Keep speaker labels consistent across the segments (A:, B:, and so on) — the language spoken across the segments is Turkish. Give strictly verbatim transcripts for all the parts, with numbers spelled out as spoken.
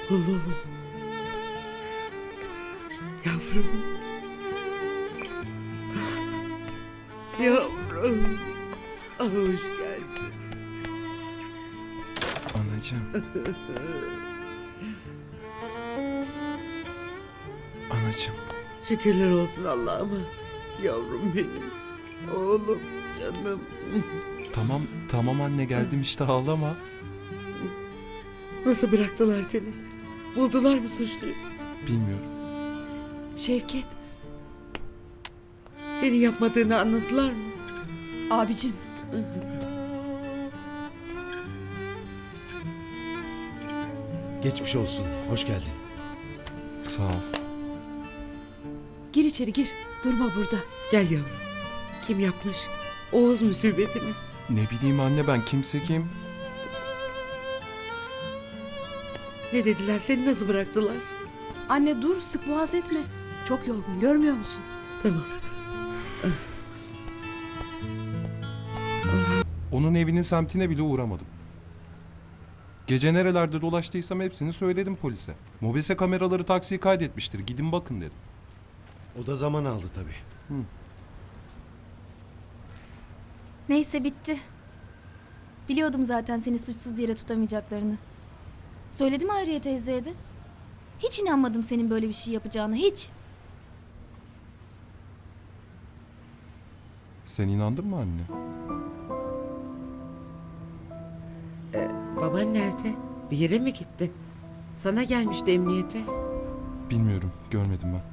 A: Oğlum. Yavrum. Yavrum. Ah, hoş geldin.
B: Anacığım. Anacığım.
A: Şükürler olsun Allah'ıma. Yavrum benim. Oğlum, canım.
B: Tamam, tamam anne geldim işte ağlama.
A: Nasıl bıraktılar seni? Buldular mı suçluyu?
B: Bilmiyorum.
C: Şevket,
A: Senin yapmadığını anladılar mı?
C: abicim.
D: Geçmiş olsun. Hoş geldin.
B: Sağ ol.
C: Gir içeri gir. Durma burada.
A: Gel yavrum. Kim yapmış? Oğuz musibeti mi?
B: Ne bileyim anne ben kimse kim?
A: Ne dediler? Seni nasıl bıraktılar?
C: Anne dur, sık boğaz etme. Çok yorgun, görmüyor musun?
A: Tamam.
B: Onun evinin semtine bile uğramadım. Gece nerelerde dolaştıysam hepsini söyledim polise. Mobese kameraları taksiyi kaydetmiştir. Gidin bakın dedim.
D: O da zaman aldı tabii.
E: Neyse bitti. Biliyordum zaten seni suçsuz yere tutamayacaklarını. Söyledim Hayriye teyzeye de. Hiç inanmadım senin böyle bir şey yapacağına, hiç.
B: Sen inandın mı anne?
A: Baban nerede? Bir yere mi gitti? Sana gelmişti emniyete.
B: Bilmiyorum, görmedim ben.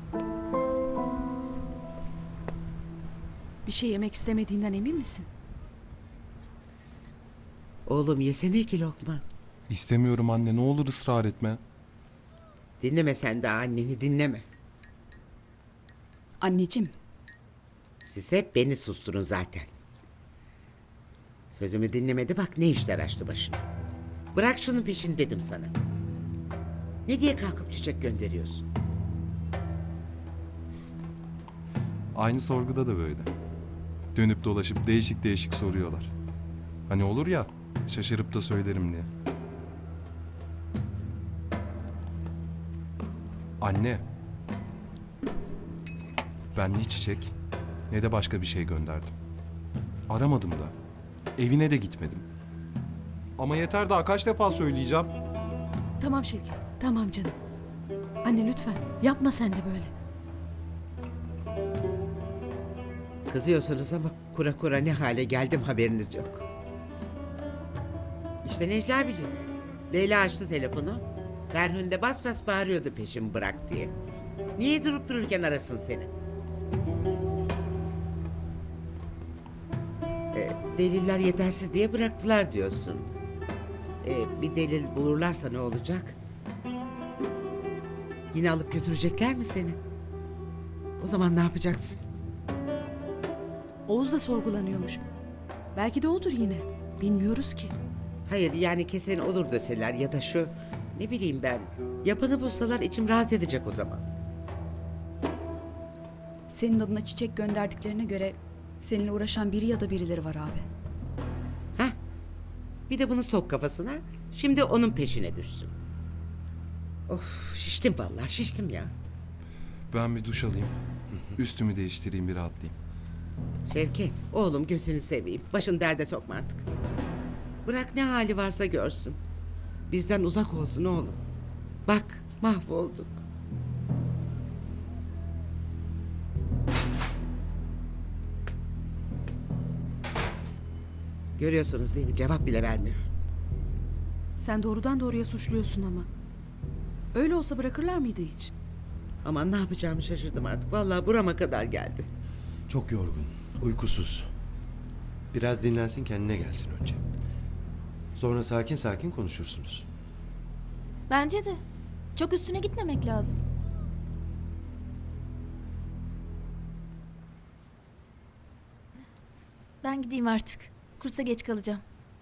C: Bir şey yemek istemediğinden emin misin?
A: Oğlum yesene iki lokma.
B: İstemiyorum anne, ne olur ısrar etme.
A: Dinleme sen daha anneni, dinleme.
C: Anneciğim,
A: Siz hep beni susturun zaten. Sözümü dinlemedi, bak ne işler açtı başına. Bırak şunun peşini dedim sana. Ne diye kalkıp çiçek gönderiyorsun?
B: Aynı sorguda da böyle. Dönüp dolaşıp değişik değişik soruyorlar. Hani olur ya, şaşırıp da söylerim diye. Anne. Ben ne çiçek ne de başka bir şey gönderdim. Aramadım da. Evine de gitmedim. Ama yeter daha kaç defa söyleyeceğim.
C: tamam Şevket, tamam canım. Anne lütfen, yapma sen de böyle.
A: Kızıyorsunuz ama kura kura ne hale geldim haberiniz yok. İşte Necla biliyor. Leyla açtı telefonu. Ferhun de bas bas bağırıyordu peşimi bırak diye. Niye durup dururken arasın seni? Ee, deliller yetersiz diye bıraktılar diyorsun. Ee, bir delil bulurlarsa ne olacak? Yine alıp götürecekler mi seni? O zaman ne yapacaksın?
C: Oğuz da sorgulanıyormuş. Belki de odur yine. Bilmiyoruz ki.
A: Hayır yani kesin olur deseler ya da şu ne bileyim ben yapanı bulsalar içim rahat edecek o zaman.
F: Senin adına çiçek gönderdiklerine göre seninle uğraşan biri ya da birileri var abi.
A: Hah bir de bunu sok kafasına şimdi onun peşine düşsün. Of şiştim vallahi şiştim ya.
B: Ben bir duş alayım. Üstümü değiştireyim bir rahatlayayım.
A: Şevket oğlum gözünü seveyim başın derde sokma artık. Bırak ne hali varsa görsün. Bizden uzak olsun oğlum. Bak mahvolduk. Görüyorsunuz değil mi? Cevap bile vermiyor.
C: Sen doğrudan doğruya suçluyorsun ama. Öyle olsa bırakırlar mıydı hiç?
A: Aman ne yapacağımı şaşırdım artık. Vallahi burama kadar geldi.
D: Çok yorgun. Uykusuz. Biraz dinlensin, kendine gelsin önce. Sonra sakin sakin konuşursunuz.
E: Bence de. Çok üstüne gitmemek lazım. Ben gideyim artık. Kursa geç kalacağım.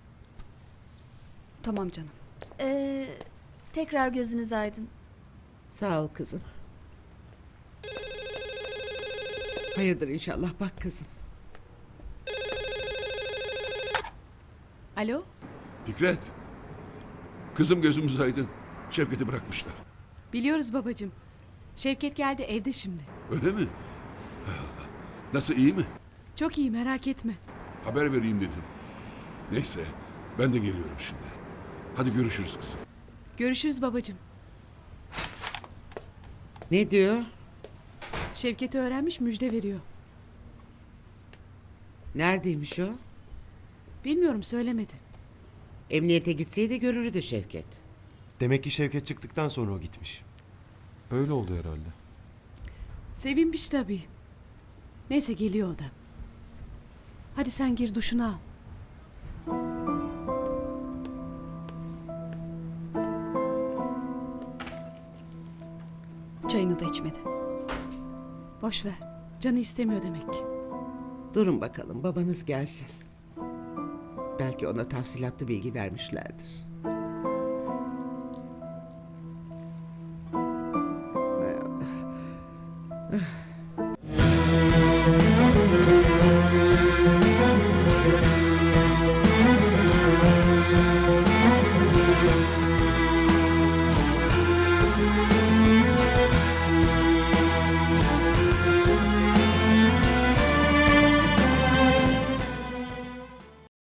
F: Tamam canım.
E: Ee, tekrar gözünüz aydın.
A: Sağ ol kızım. Hayırdır inşallah bak kızım.
C: Alo?
G: Fikret. Kızım gözümüz aydın. Şevket'i bırakmışlar.
C: Biliyoruz babacığım. Şevket geldi, evde şimdi.
G: Öyle mi? Hay Allah. Nasıl, iyi mi?
C: Çok iyi, merak etme.
G: Haber vereyim dedim. Neyse, ben de geliyorum şimdi. Hadi görüşürüz kızım.
C: Görüşürüz babacığım.
A: Ne diyor?
C: Şevket'i öğrenmiş, müjde veriyor.
A: Neredeymiş o?
C: Bilmiyorum, söylemedi.
A: Emniyete gitseydi görürdü Şevket.
D: Demek ki Şevket çıktıktan sonra o gitmiş.
B: Öyle oldu herhalde.
C: Sevinmiş tabii. Neyse, geliyor o da. Hadi sen gir, duşunu al.
F: Çayını da içmedi.
C: Boş ver. Canı istemiyor demek ki.
A: Durun bakalım, babanız gelsin. Belki ona tafsilatlı bilgi vermişlerdir.